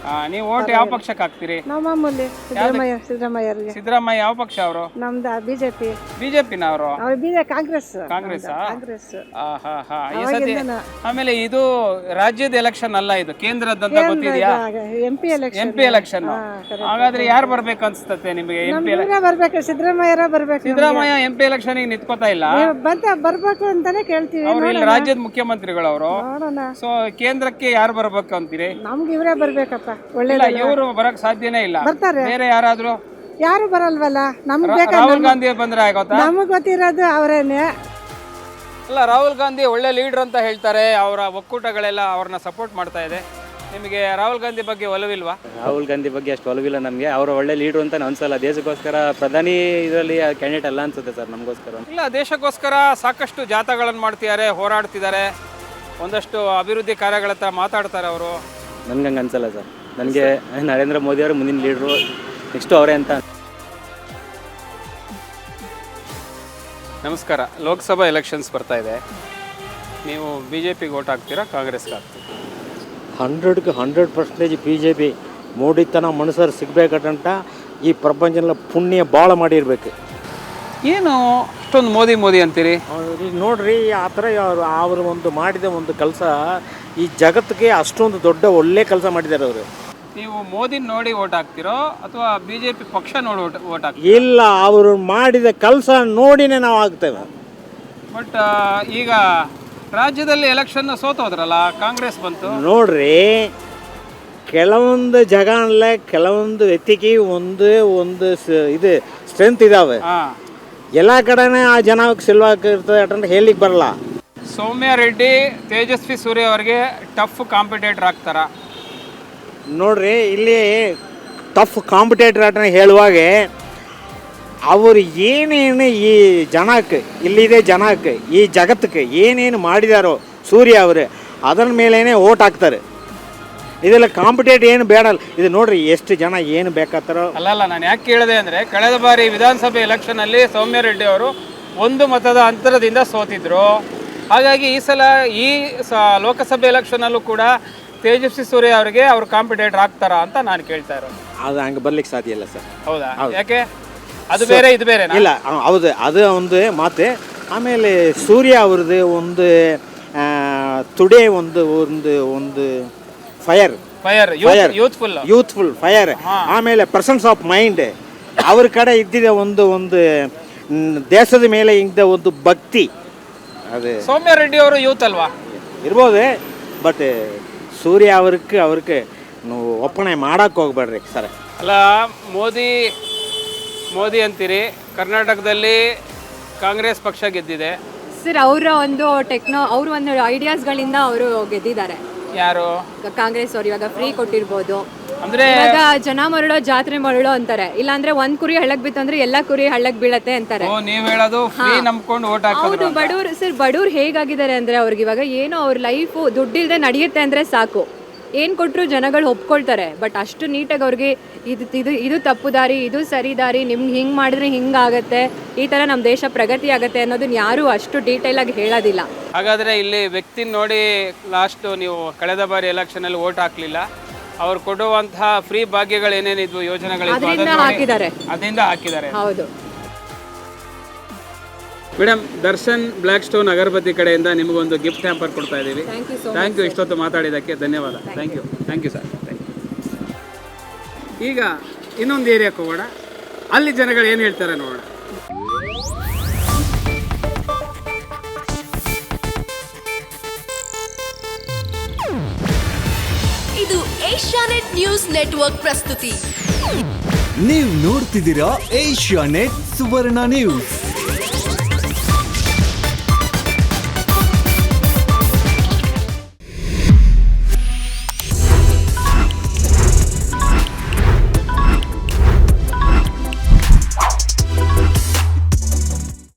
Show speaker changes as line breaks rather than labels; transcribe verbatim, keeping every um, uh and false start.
ನೀವು ಓಟ್ ಯಾವ ಪಕ್ಷಕ್ಕೆ ಹಾಕ್ತೀರಿ?
ನಾವು ಮಾಮೂಲಿ ಸಿದ್ದರಾಮಯ್ಯ ಸಿದ್ದರಾಮಯ್ಯರಿಗೆ.
ಸಿದ್ದರಾಮಯ್ಯ ಯಾವ ಪಕ್ಷ ಅವರು?
ನಮ್ದು ಬಿಜೆಪಿ.
ಬಿಜೆಪಿನ ಅವರು?
ಅವ್ರು ಬಿಜೆ ಕಾಂಗ್ರೆಸ್.
ಕಾಂಗ್ರೆಸ್
ಕಾಂಗ್ರೆಸ್.
ಈ ಸತಿ ಆಮೇಲೆ ಇದು ರಾಜ್ಯದ ಎಲೆಕ್ಷನ್ ಅಲ್ಲ, ಇದು ಕೇಂದ್ರದಂತ ಗೊತ್ತಿದೆಯಾ?
M P election.
M P election. ಹಾಗಾದ್ರೆ ಯಾರು ಬರ್ಬೇಕು ಅನ್ಸುತ್ತೆ ನಿಮಗೆ? ಎಂ ಪಿ
ಬರ್ಬೇಕು, ಸಿದ್ದರಾಮಯ್ಯ ಬರ್ಬೇಕು.
ಸಿದ್ದರಾಮಯ್ಯ ಎಂ ಪಿ ಎಲೆಕ್ಷನ್ ನಿಂತ್ಕೋತಾ ಇಲ್ಲ,
ಬಂತ ಬರ್ಬೇಕು ಅಂತಾನೆ ಕೇಳ್ತೀವಿ.
ಅವ್ರು ಇಲ್ಲಿ ರಾಜ್ಯದ ಮುಖ್ಯಮಂತ್ರಿಗಳು ಅವರು.
ನೋಡೋಣ.
ಸೊ ಕೇಂದ್ರಕ್ಕೆ ಯಾರು ಬರ್ಬೇಕು ಅಂತೀರಿ?
ನಮ್ಗೆ ಇವರೇ ಬರ್ಬೇಕಪ್ಪ. ಒಳ್ಳೆ
ಇವರು ಬರಕ್ ಸಾಧ್ಯನೇ ಇಲ್ಲ.
ಬರ್ತಾರೆ.
ಬೇರೆ ಯಾರಾದ್ರೂ?
ಯಾರು ಬರಲ್ವಲ್ಲ. ನಮ್ಗೆ ಬೇಕಾ?
ರಾಹುಲ್ ಗಾಂಧಿ ಬಂದ್ರೆ ಆಗೋತಾ?
ನಮಗ್ ಗೊತ್ತಿರೋದು ಅವರೇನೆ.
ಅಲ್ಲ, ರಾಹುಲ್ ಗಾಂಧಿ ಒಳ್ಳೆ ಲೀಡರ್ ಅಂತ ಹೇಳ್ತಾರೆ, ಅವರ ಒಕ್ಕೂಟಗಳೆಲ್ಲ ಅವ್ರನ್ನ ಸಪೋರ್ಟ್ ಮಾಡ್ತಾ ಇದೆ. ನಿಮಗೆ ರಾಹುಲ್ ಗಾಂಧಿ ಬಗ್ಗೆ ಒಲವಿಲ್ವಾ?
ರಾಹುಲ್ ಗಾಂಧಿ ಬಗ್ಗೆ ಅಷ್ಟು ಒಲವಿಲ್ಲ ನಮಗೆ. ಅವರು ಒಳ್ಳೆ ಲೀಡರ್ ಅಂತ ಅನ್ಸಲ್ಲ. ದೇಶಕ್ಕೋಸ್ಕರ ಪ್ರಧಾನಿ ಇದರಲ್ಲಿ ಕ್ಯಾಂಡಿಡೇಟ್ ಅಲ್ಲ ಅನ್ಸುತ್ತೆ ಸರ್ ನಮಗೋಸ್ಕರ.
ಇಲ್ಲ, ದೇಶಕ್ಕೋಸ್ಕರ ಸಾಕಷ್ಟು ಜಾಥಾಗಳನ್ನು ಮಾಡ್ತಿದ್ದಾರೆ, ಹೋರಾಡ್ತಿದ್ದಾರೆ, ಒಂದಷ್ಟು ಅಭಿವೃದ್ಧಿ ಕಾರ್ಯಗಳ ಹತ್ರ ಮಾತಾಡ್ತಾರೆ ಅವರು.
ನನ್ಗೆ ಹಂಗೆ ಅನ್ಸಲ್ಲ ಸರ್. ನನಗೆ ನರೇಂದ್ರ ಮೋದಿ ಅವರು ಮುಂದಿನ ಲೀಡ್ರು, ನೆಕ್ಸ್ಟು ಅವರೇ ಅಂತ.
ನಮಸ್ಕಾರ. ಲೋಕಸಭಾ ಎಲೆಕ್ಷನ್ಸ್ ಬರ್ತಾ ಇದೆ. ನೀವು ಬಿ ಜೆ ಪಿಗೆ ಓಟ್ ಹಾಕ್ತೀರಾ, ಕಾಂಗ್ರೆಸ್ಗೆ ಹಾಕ್ತೀರಾ?
ಹಂಡ್ರೆಡ್ಗೆ hundred percentage B J P. ಮೋಡಿತನ ಮನುಷ್ಯರು ಸಿಗಬೇಕಂತ ಈ ಪ್ರಪಂಚದಲ್ಲಿ ಪುಣ್ಯ ಭಾಳ ಮಾಡಿರ್ಬೇಕು.
ಏನು ಅಷ್ಟೊಂದು ಮೋದಿ ಮೋದಿ ಅಂತೀರಿ?
ನೋಡ್ರಿ, ಆ ಥರ ಅವರು ಅವರು ಒಂದು ಮಾಡಿದ ಒಂದು ಕೆಲಸ ಈ ಜಗತ್ತಿಗೆ ಅಷ್ಟೊಂದು ದೊಡ್ಡ ಒಳ್ಳೆ ಕೆಲಸ ಮಾಡಿದ್ದಾರೆ ಅವರು.
ನೀವು ಮೋದಿ ನೋಡಿ ಓಟ್ ಹಾಕ್ತಿರೋ ಅಥವಾ ಬಿ ಜೆ ಪಿ ಪಕ್ಷ ನೋಡಿ ಓಟ್ ಓಟ್ ಹಾಕ್ತೀರಾ?
ಇಲ್ಲ, ಅವರು ಮಾಡಿದ ಕೆಲಸ ನೋಡಿನೇ ನಾವು ಆಗ್ತೇವೆ.
ಬಟ್ ಈಗ ರಾಜ್ಯದಲ್ಲಿ ಎಲೆಕ್ಷನ್ ಸೋತೋದ್ರಲ್ಲ, ಕಾಂಗ್ರೆಸ್ ಬಂತು.
ನೋಡ್ರಿ, ಕೆಲವೊಂದು ಜಗನಲ್ಲೇ ಕೆಲವೊಂದು ವ್ಯಕ್ತಿಗೆ ಒಂದು ಒಂದು ಇದು ಸ್ಟ್ರೆಂತ್ ಇದಾವೆ. ಎಲ್ಲ ಕಡೆನೇ ಆ ಜನ ಸಿಲ್ವಾಗಿರ್ತದೆ ಅಂತ ಹೇಳಿಕ್ಕೆ ಬರಲ್ಲ.
ಸೌಮ್ಯ ರೆಡ್ಡಿ, ತೇಜಸ್ವಿ ಸೂರ್ಯ ಅವರಿಗೆ ಟಫ್ ಕಾಂಪಿಟೇಟರ್ ಆಗ್ತಾರ?
ನೋಡ್ರಿ, ಇಲ್ಲಿ ಟಫ್ ಕಾಂಪಿಟೇಟರ್ ಅಂತ ಹೇಳುವಾಗ ಅವರು ಏನೇನು ಈ ಜನಕ್ಕೆ, ಇಲ್ಲಿದೆ ಜನಕ್ಕೆ, ಈ ಜಗತ್ತಕ್ಕೆ ಏನೇನು ಮಾಡಿದಾರೋ ಸೂರ್ಯ ಅವರು, ಅದರ ಮೇಲೇ ಓಟ್ ಹಾಕ್ತಾರೆ. ಇದೆಲ್ಲ ಕಾಂಪಿಟೇಟ್ ಏನು ಬೇಡ. ಇದು ನೋಡ್ರಿ ಎಷ್ಟು ಜನ ಏನು ಬೇಕಾಗ್ತಾರೋ.
ಅಲ್ಲಲ್ಲ, ನಾನು ಯಾಕೆ ಕೇಳಿದೆ ಅಂದರೆ, ಕಳೆದ ಬಾರಿ ವಿಧಾನಸಭೆ ಎಲೆಕ್ಷನಲ್ಲಿ ಸೌಮ್ಯ ರೆಡ್ಡಿ ಅವರು ಒಂದು ಮತದ ಅಂತರದಿಂದ ಸೋತಿದ್ರು. ಹಾಗಾಗಿ ಈ ಸಲ ಈ ಸ ಲೋಕಸಭೆ ಎಲೆಕ್ಷನಲ್ಲೂ ಕೂಡ ತೇಜಸ್ವಿ ಸೂರ್ಯ ಅವರಿಗೆ ಅವ್ರು ಕಾಂಪಿಟೇಟರ್ ಆಗ್ತಾರಾ ಅಂತ ನಾನು ಕೇಳ್ತಾ ಇರೋದು.
ಅದು ಹಂಗೆ ಬರ್ಲಿಕ್ಕೆ ಸಾಧ್ಯ ಇಲ್ಲ ಸರ್.
ಹೌದಾ? ಯಾಕೆ? ಅದು ಬೇರೆ ಇದು ಬೇರೆ
ಇಲ್ಲ. ಹೌದು, ಅದು ಒಂದು ಮಾತು. ಆಮೇಲೆ ಸೂರ್ಯ ಅವ್ರದ್ದು ಒಂದು ಟುಡೇ ಒಂದು ಒಂದು ಒಂದು fire
fire youthful
youthful fire. ಆಮೇಲೆ ಪರ್ಸನ್ಸ್ ಆಫ್ ಮೈಂಡ್ ಅವ್ರ ಕಡೆ ಇದ್ದಿದೆ ಒಂದು ಒಂದು ದೇಶದ ಮೇಲೆ ಇದ್ದ ಒಂದು ಭಕ್ತಿ. ಅದು
ಸೌಮ್ಯ ರೆಡ್ಡಿ ಅವರು ಯೂತ್ ಅಲ್ವಾ?
ಇರ್ಬೋದು. ಬಟ್ ಸೂರ್ಯ ಅವ್ರಿಗೆ ಅವ್ರಿಗೆ ನೀವು ಒಪ್ಪಣೆ ಮಾಡಕ್ಕೆ ಹೋಗ್ಬೇಡ್ರಿ ಸರ್.
ಅಲ್ಲ, ಮೋದಿ ಮೋದಿ ಅಂತೀರಿ, ಕರ್ನಾಟಕದಲ್ಲಿ ಕಾಂಗ್ರೆಸ್ ಪಕ್ಷ ಗೆದ್ದಿದೆ
ಸರ್. ಅವರ ಒಂದು ಟೆಕ್ನೋ ಅವ್ರ ಒಂದು ಐಡಿಯಾಸ್ಗಳಿಂದ ಅವರು ಗೆದ್ದಿದ್ದಾರೆ.
ಯಾರು?
ಕಾಂಗ್ರೆಸ್ ಅವರು. ಇವಾಗ ಫ್ರೀ ಕೊಟ್ಟಿರ್ಬೋದು
ಅಂದ್ರೆ,
ಇವಾಗ ಜನ ಮರಳೋ ಜಾತ್ರೆ ಮರಳೋ ಅಂತಾರೆ. ಇಲ್ಲಾಂದ್ರೆ ಒಂದ್ ಕುರಿ ಹಳ್ಳಕ್ ಬಿತ್ತಂದ್ರೆ ಎಲ್ಲಾ ಕುರಿ ಹಳ್ಳಕ್ ಬೀಳತ್ತೆ ಅಂತಾರೆ.
ನೀವ್ ಹೇಳೋದು ಫ್ರೀ ನಂಬ್ಕೊಂಡು ಓಟ್ ಹಾಕೋದು.
ಹೌದು. ಬಡವ್ರು ಸರ್, ಬಡವ್ರು ಹೇಗಾಗಿದ್ದಾರೆ ಅಂದ್ರೆ, ಅವ್ರಿಗೆ ಇವಾಗ ಏನೋ ಅವ್ರ ಲೈಫ್ ದುಡ್ಡಿಲ್ದೆ ನಡೆಯುತ್ತೆ ಅಂದ್ರೆ ಸಾಕು, ಏನ್ ಕೊಟ್ರು ಜನಗಳು ಒಪ್ಕೊಳ್ತಾರೆ. ಬಟ್ ಅಷ್ಟು ನೀಟಾಗಿ ಅವ್ರಿಗೆ ಇದು ಇದು ಇದು ತಪ್ಪು ದಾರಿ, ಇದು ಸರಿ ದಾರಿ, ನಿಮ್ಗೆ ಹಿಂಗ್ ಮಾಡಿದ್ರೆ ಹಿಂಗಾಗತ್ತೆ, ಈ ತರ ನಮ್ಮ ದೇಶ ಪ್ರಗತಿ ಆಗತ್ತೆ ಅನ್ನೋದನ್ನ ಯಾರು ಅಷ್ಟು ಡೀಟೇಲ್ ಆಗಿ ಹೇಳೋದಿಲ್ಲ.
ಹಾಗಾದ್ರೆ ಇಲ್ಲಿ ವ್ಯಕ್ತಿ ನೋಡಿ ಲಾಸ್ಟ್ ನೀವು ಕಳೆದ ಬಾರಿ ಎಲೆಕ್ಷನ್ ಅಲ್ಲಿ ಓಟ್ ಹಾಕ್ಲಿಲ್ಲ, ಅವ್ರು ಕೊಡುವಂತಹ ಫ್ರೀ ಭಾಗ್ಯಗಳು ಏನೇನಿದ್ವು, ಯೋಜನೆಗಳಿದ್ವು,
ಅದರಿಂದ ಹಾಕಿದ್ದಾರೆ.
ಅದರಿಂದ ಹಾಕಿದ್ದಾರೆ.
ಹೌದು
madam, Darshan black stone agarbatti ಕಡೆಯಿಂದ ನಿಮಗೊಂದು ಗಿಫ್ಟ್ ಹ್ಯಾಂಪರ್ ಕೊಡ್ತಾ ಇದ್ದೀವಿ. ಥ್ಯಾಂಕ್ ಯು, ಇಷ್ಟೊತ್ತು ಮಾತಾಡಿದ್ದಕ್ಕೆ ಧನ್ಯವಾದ. Thank you thank you sir. Thank you. ಈಗ ಇನ್ನೊಂದು ಏರಿಯಾಕ್ಕೆ ಹೋಗೋಣ, ಅಲ್ಲಿ ಜನಗಳು ಏನು ಹೇಳ್ತಾರೆ ನೋಡೋಣ.
ಇದು ಏಷ್ಯಾನೆಟ್ ನ್ಯೂಸ್ ನೆಟ್ವರ್ಕ್ ಪ್ರಸ್ತುತಿ.
ನೀವು ನೋಡ್ತಿದ್ದೀರಾ ಏಷ್ಯಾನೆಟ್ ಸುವರ್ಣ ನ್ಯೂಸ್.